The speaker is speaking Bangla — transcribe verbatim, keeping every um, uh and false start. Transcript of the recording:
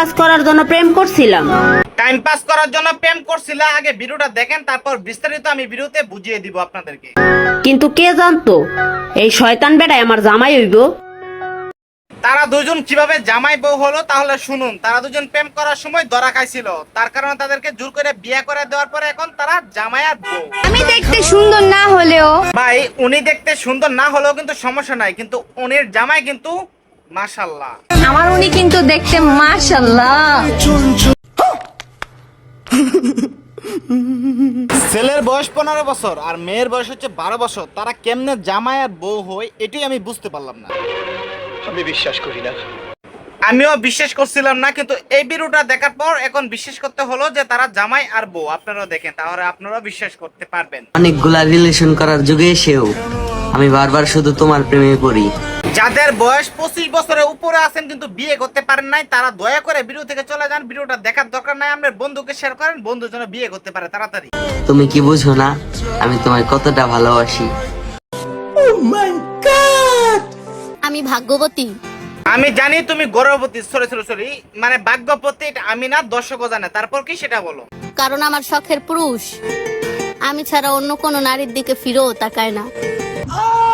পাস করার জন্য প্রেম করছিলাম। টাইম পাস করার জন্য প্রেম করছিলা? আগে ভিডিওটা দেখেন, তারপর বিস্তারিত আমি ভিডিওতে বুঝিয়ে দিব আপনাদেরকে। কিন্তু কে জানতো এই শয়তান বেটাই আমার জামাই হইব। তারা দুজন কিভাবে জামাই বউ হলো তাহলে শুনুন। তারা দুজন প্রেম করার সময় ধরা খাইছিল, তার কারণে তাদেরকে জোর করে বিয়ে করে দেওয়ার পরে এখন তারা জামাই আর বউ। আমি দেখতে সুন্দর না হলেও ভাই উনি দেখতে সুন্দর না হলেও কিন্তু সমস্যা নাই, কিন্তু উনির জামাই কিন্তু মাশাআল্লাহ। আমার উনি কিন্তু দেখতে মাশাআল্লাহ। ছেলের বয়স পনেরো বছর আর মেয়ের বয়স হচ্ছে বারো বছর, তারা কেমনে জামাই আর বউ হয় এটাই আমি বুঝতে পারলাম না। আমি বিশ্বাস করি না। আমিও বিশ্বাস করছিলাম না, কিন্তু এই ভিডিওটা দেখার পর এখন বিশ্বাস করতে হলো যে তারা জামাই আর বউ। আপনারাও দেখেন, তাহলে আপনারাও বিশ্বাস করতে পারবেন। অনেকগুলা রিলেশন করার যুগে এসেও আমি বারবার শুধু তোমার প্রেমে পড়ি। যাদের বয়স পঁচিশ বছরের উপরে আছেন কিন্তু বিয়ে করতে পারেন নাই, তারা দয়া করে ভিডিও থেকে চলে যান। ভিডিওটা দেখার দরকার নাই, আপনার বন্ধুকে শেয়ার করেন, বন্ধুর জন্য বিয়ে করতে পারে তাড়াতাড়ি। তুমি কি বুঝো না আমি তোমায় কতটা ভালোবাসি? আমি ভাগ্যবতী। আমি জানি তুমি গর্ভবতী, সরি সরি সরি মানে ভাগ্যবতী, এটা আমি না, দর্শকও জানে। তারপর কি সেটা বলো। কারণ আমার শখের পুরুষ আমি ছাড়া অন্য কোনো নারীর দিকে ফিরেও তাকায় না।